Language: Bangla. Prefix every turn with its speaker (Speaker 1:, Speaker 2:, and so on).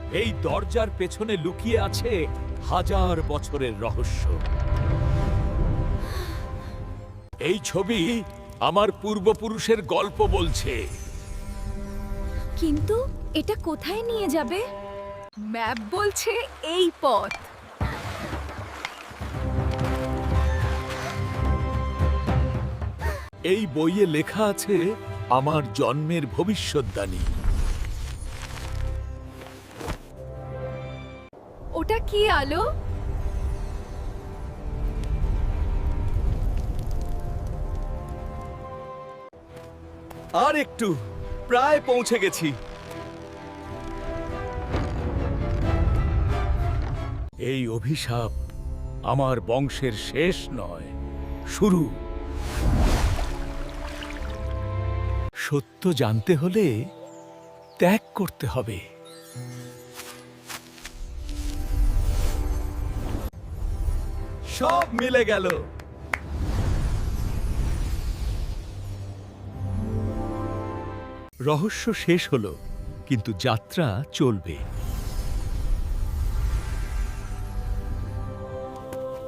Speaker 1: এই দরজার পেছনে লুকিয়ে আছে হাজার বছরের রহস্য। এই ছবি আমার পূর্বপুরুষের গল্প বলছে।
Speaker 2: কিন্তু এটা কোথায় নিয়ে যাবে? ম্যাপ বলছে এই পথ।
Speaker 1: এই বইয়ে লেখা আছে আমার জন্মের ভবিষ্যদ্বাণী।
Speaker 2: ওটা কি আলো?
Speaker 1: আর একটু, প্রায় পৌঁছে গেছি। এই অভিশাপ আমার বংশের শেষ নয়, শুরু। সত্য জানতে হলে ত্যাগ করতে হবে। সব মিলে গেল। রহস্য শেষ হলো, কিন্তু যাত্রা চলবে।